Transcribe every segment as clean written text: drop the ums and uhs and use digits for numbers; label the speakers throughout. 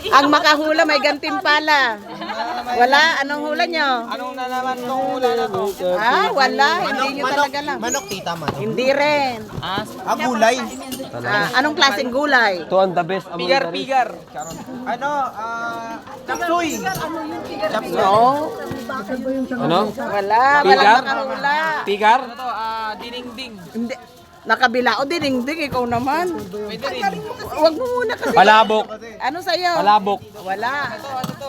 Speaker 1: Ang makahula may gantimpala. Wala? Anong hula nyo?
Speaker 2: Anong na naman itong hula na to?
Speaker 1: Ah, wala. Hindi nyo talaga lang.
Speaker 3: Manok, tita, manok.
Speaker 1: Hindi rin.
Speaker 3: Gulay.
Speaker 1: Anong klaseng gulay?
Speaker 4: Ito ang the best among the rest.
Speaker 2: Pigar.
Speaker 3: Ano, chapsuy.
Speaker 1: No.
Speaker 4: Ano?
Speaker 1: Wala. Walang
Speaker 4: Pigar?
Speaker 1: makahula.
Speaker 4: Pigar?
Speaker 2: Ano to? Dinengding.
Speaker 1: Hindi. Nakabila o dinengding, ikaw naman.
Speaker 2: Pwede rin.
Speaker 1: Huwag mo muna kasi.
Speaker 4: Palabok.
Speaker 1: Ano sa'yo?
Speaker 4: Palabok.
Speaker 1: Wala.
Speaker 2: Ano to?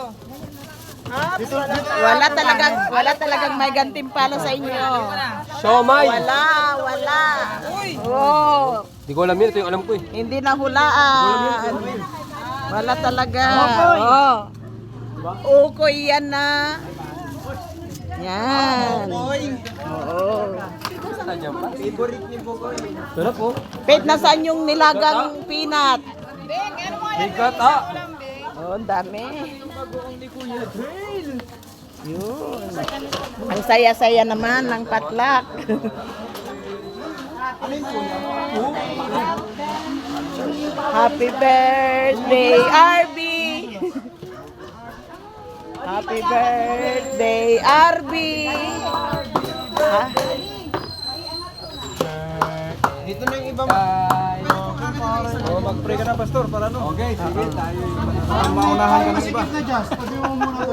Speaker 1: Wala talagang may gantimpala sa inyo.
Speaker 4: Siomay.
Speaker 1: Wala. Oh,
Speaker 4: Di ko alam yun. Ito yung alam ko eh.
Speaker 1: hindi na hulaan. Wala talaga. Oh. Ukoy yan na. Yan. Oo.
Speaker 3: Favorite ni Bukoy.
Speaker 4: Sarap po.
Speaker 1: Pete, nasaan yung nilagang peanut?
Speaker 4: Bigat ah.
Speaker 1: Oh, ang dami. Yun. Ang saya-saya naman ng patlak. Happy birthday, RB! Happy birthday, RB! Ha?
Speaker 3: Dito na yung ibang...
Speaker 2: Mag-pray ka na, pastor, para no?
Speaker 4: Okay, sige. Tayo.
Speaker 3: Maunahan ka ng iba.